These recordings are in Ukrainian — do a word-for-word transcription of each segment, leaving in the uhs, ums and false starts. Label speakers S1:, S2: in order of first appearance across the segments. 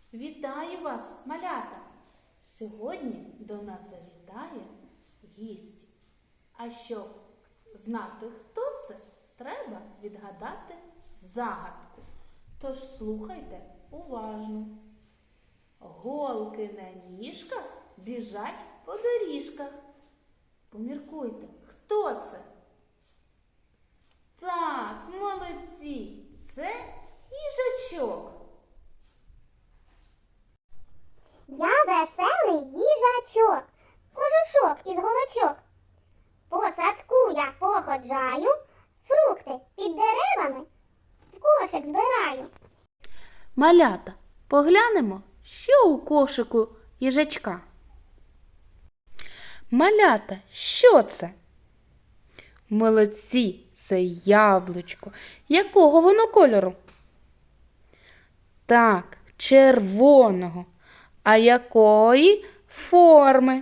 S1: Вітаю вас, малята! Сьогодні до нас завітає гість. А щоб знати, хто це, треба відгадати загадку. Тож слухайте уважно. Голки на ніжках біжать по доріжках. Поміркуйте, хто це? Так, молодці, це їжачок.
S2: Я веселий їжачок, кожушок із голочок. По садку я походжаю, фрукти під деревами в кошик збираю.
S1: Малята, поглянемо, що у кошику їжачка. Малята, що це? Молодці, це яблучко. Якого воно кольору? Так, червоного. А якої форми?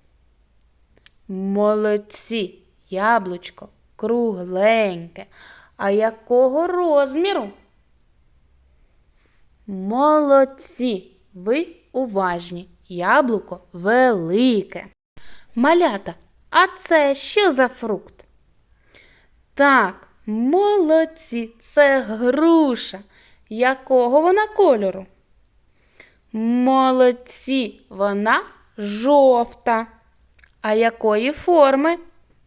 S1: Молодці, яблучко кругленьке. А якого розміру? Молодці, ви уважні. Яблуко велике. Малята, а це що за фрукт? Так, молодці, це груша. Якого вона кольору? Молодці, вона жовта. А якої форми?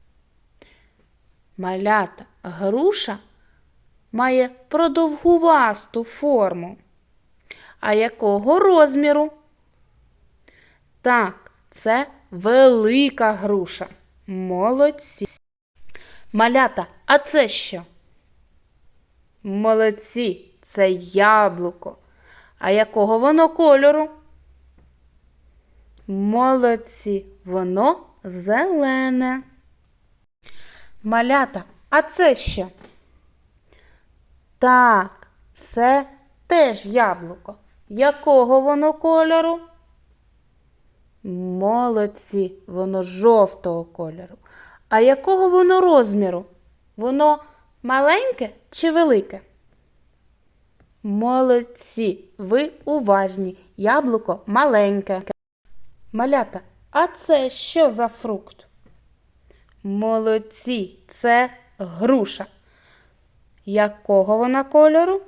S1: Малята, груша має продовгувасту форму. А якого розміру? Так, це велика груша. Молодці. Малята, а це що? Молодці, це яблуко. А якого воно кольору? Молодці, воно зелене. Малята, а це що? Так, це теж яблуко. Якого воно кольору? Молодці, воно жовтого кольору. А якого воно розміру? Воно маленьке чи велике? Молодці, ви уважні. Яблуко маленьке. Малята, а це що за фрукт? Молодці, це груша. Якого вона кольору?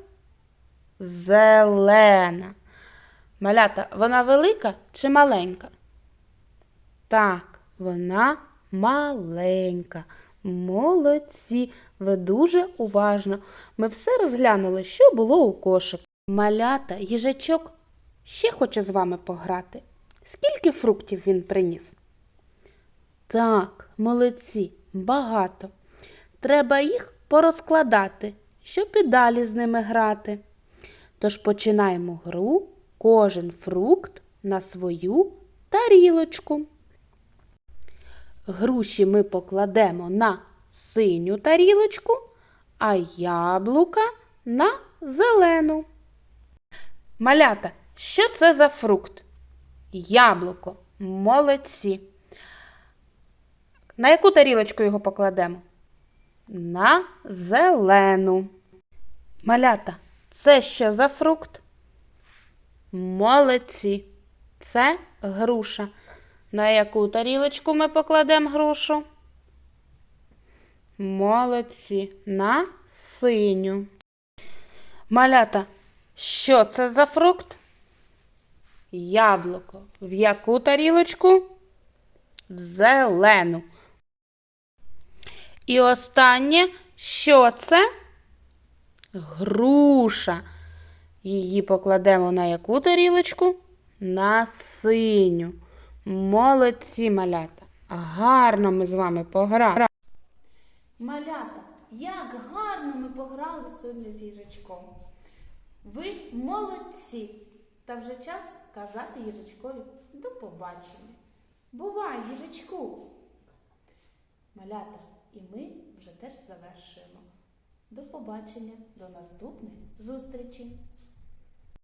S1: Зелена. Малята, вона велика чи маленька? Так, вона маленька. Молодці, ви дуже уважно. Ми все розглянули, що було у кошику. Малята, їжачок ще хоче з вами пограти. Скільки фруктів він приніс? Так, молодці, багато. Треба їх порозкладати, щоб і далі з ними грати. Тож починаємо гру «Кожен фрукт на свою тарілочку». Груші ми покладемо на синю тарілочку, а яблука на зелену. Малята, що це за фрукт? Яблуко. Молодці. На яку тарілочку його покладемо? На зелену. Малята, це що за фрукт? Молодці. Це груша. На яку тарілочку ми покладемо грушу? Молодці. На синю. Малята, що це за фрукт? Яблуко. В яку тарілочку? В зелену. І останнє, що це? Груша. Її покладемо на яку тарілочку? На синю. Молодці, малята. Гарно ми з вами пограли. Малята, як гарно ми пограли сьогодні з їжачком. Ви молодці. Та вже час казати їжачкові до побачення. Бувай, їжачку! Малята, і ми вже теж завершуємо. До побачення, до наступної зустрічі!